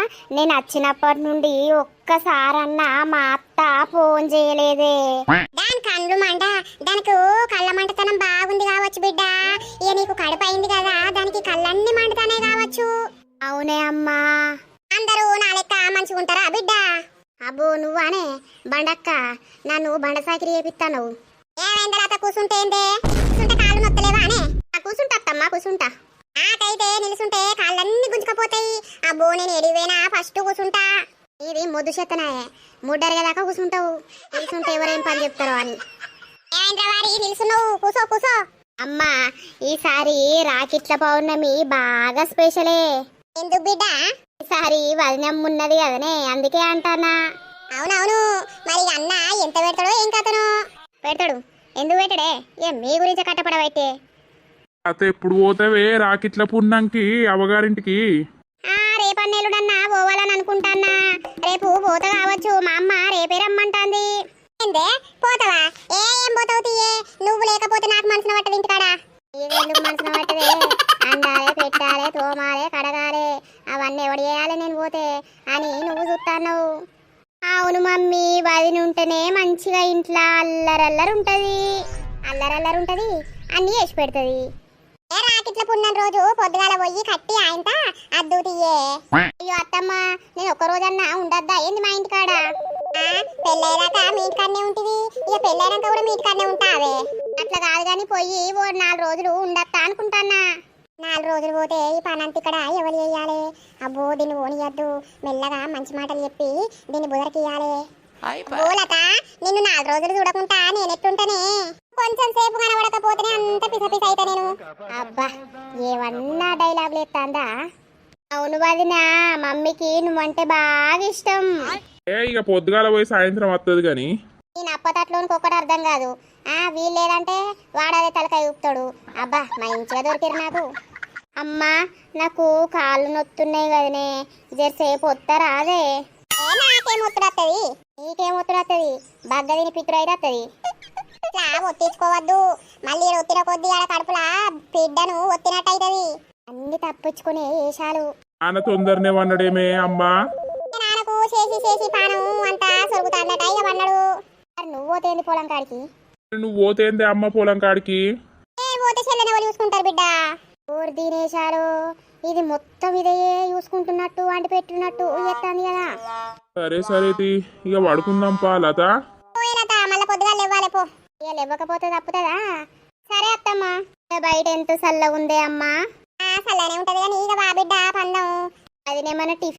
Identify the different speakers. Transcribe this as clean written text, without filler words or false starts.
Speaker 1: నేను వచ్చినప్పటి నుండి ఒక్కసారన్నా మా అత్త ఫోన్ చేయలేదే. దాని కళ్ళు మంట, దానికి కళ్ళ మంటతనం బాగుంది కావచ్చు బిడ్డ. ఇక నీకు కడుపు అయింది కదా, దానికి కళ్ళన్నీ మంటతానే కావచ్చు. అవునే అమ్మా. అందరూ నా లెక్క మంచిగుంటారా బిడ్డ? అబ్బో నువ్వానే బండక్క, నన్ను బండ సాకిరి చేపిస్తాను. ఏమైందలా కూర్చుంటేందే? కూర్చుంటే కాళ్ళు నొత్తలేవా అనే? కూర్చుంటా అత్తమ్మా, కూర్చుంటా. నాకైతే నిలుసుంటే కాళ్ళన్నీ గుంజుకపోతాయి. అబ్బో నేను ఎడివేనా ఫస్ట్ కూర్చుంటా. ఇది మొద్దు చెత్తనాయే, ముడ్డరిగా దాకా కూర్చుంటావు. నిలుసుంటే ఎవరేం పని చెప్తారో అని. ఏమైంద్రవారి నిలుసున్నావు? కూసో కూసో. అమ్మా ఈసారి రాకిట్ల పౌర్ణమి బాగా స్పెషలే. ఎందుకు బిడ్డ? ఈసారి వదినమ్మ ఉన్నది కదనే, అందుకే అంటానా. అవునవును, మరి అన్న ఎంత పెడతాడో ఏం కథనో. పెడతాడు, ఎందుకు పెట్టడే? ఏం మీ గురించి కట్టపడవైతే.
Speaker 2: అత ఎప్పుడు పోతావే రాకిట్ల పుణ్యంకి అవ్వగారింటికి?
Speaker 1: రేపన్నేలుడన్నా పోవాలని అనుకుంటానా. రేపు పోతా కావచ్చు, మా అమ్మ రేపే రమ్మంటాంది. ఏందే పోతావా? ఏం పోతావు తీయే, నువ్వు లేకపోతే నాకు మనసున పట్టదు ఇంటికాడ. ఎందుకు మనసున పట్టదే? అండాలే, పెట్టాలే, తోమాలే, కడగాలే, అవన్నీ ఎవడు చేయాలి నేను పోతే అని నువ్వు చూస్తాను. అవును మమ్మీ, వదిన ఉంటేనే మంచిగా ఇంట్లో అల్లరల్లరుంటది. అల్లరల్లరుంటది, అన్నీ వేసి పెడుతుంది. రాకిట్ల పుణ్యం రోజు పొద్దుగాల పోయి కట్టి ఆయనత అద్దు తీయే. అయ్యో అత్తమ్మ, నేను ఒక్క రోజన్నా ఉండద్దా ఏంది మా ఇంటికాడ? పెళ్ళయ్యాక మీ ఇంటికాడనే ఉంటుంది, ఇక పెళ్ళైనాక కూడా మీ ఇంటికాడనే ఉంటావే. అట్లా కాదు కానీ పోయి ఓ 4 రోజులు ఉండత్తా అనుకుంటానా. 4 రోజులు పోతే ఈ పనంత ఇక్కడ ఎవరు చేయాలి? అబ్బో దీన్ని ఓనియద్దు, మెల్లగా మంచి మాటలు చెప్పి దీన్ని బుదరకియాలి. బోలత నిన్ను 4 రోజులు చూడకుండా నేనెట్టుంటనే? కొంచెం సేపు కనబడకపోతేనే అంత పిసపిస అయితే నేను. అబ్బా ఏమన్నా డైలాగులు ఎత్తాందా? అవును వదిన, మమ్మీకి నువ్వంటే బాగా ఇష్టం.
Speaker 2: ఇక పొద్దుగాల పోయి సాయంత్రం వస్తుంది గాని
Speaker 1: నేను అప్పతట్లోనికి ఒక్కటి అర్థం కాదు. వీలు లేదంటే వాడదే తలకాయ ఊపుతాడు. అబ్బా మంచిగా దొరికిరు నాకు. అమ్మా నాకు కాళ్ళు నొత్తున్నాయి కదనే, జరసేపు వస్తారా? అదే నాకేమొత్తుడత్తది, నీకేమొత్తుడత్తది? బగ్గ తిని పిత్తురు అయితే వస్తుంది. ఇట్లా ఒత్తించుకోవద్దు, మళ్ళీ ఒత్తిన కొద్ది ఆడ కడుపులా బిడ్డను ఒత్తినట్టు అవుతుంది. అన్ని తప్పించుకునే వేషాలు.
Speaker 2: నాన్న తొందరనే వన్నడేమే అమ్మా.
Speaker 1: నాన్నకు చేసి చేసి పానం అంతా సొరుగుతాడట ఇక వన్నాడు. నువ్వు పోతేంది పొలం కాడికి?
Speaker 2: నువ్వు పోతేందే అమ్మ పొలం కాడికి?
Speaker 1: పోతే చెల్లెని ఎవరు చూసుకుంటారు బిడ్డ? ఊరు తినేశారు, ఇది మొత్తం ఇదే చూసుకుంటున్నట్టు వండి పెట్టినట్టు ఎత్తాంది కదా.
Speaker 2: సరే సరే ఇక పడుకుందాం పా లత.
Speaker 1: లత మళ్ళీ పొద్దుగా లేవాలి పో. ఇక లేవకపోతే తప్పుతుందా? సరే అత్తమ్మ. బయట ఎంత చల్లగా ఉందే అమ్మా. చల్లనే ఉంటది కానీ ఇక బా బిడ్డ పందం. అదినేమన్నా టిఫిన్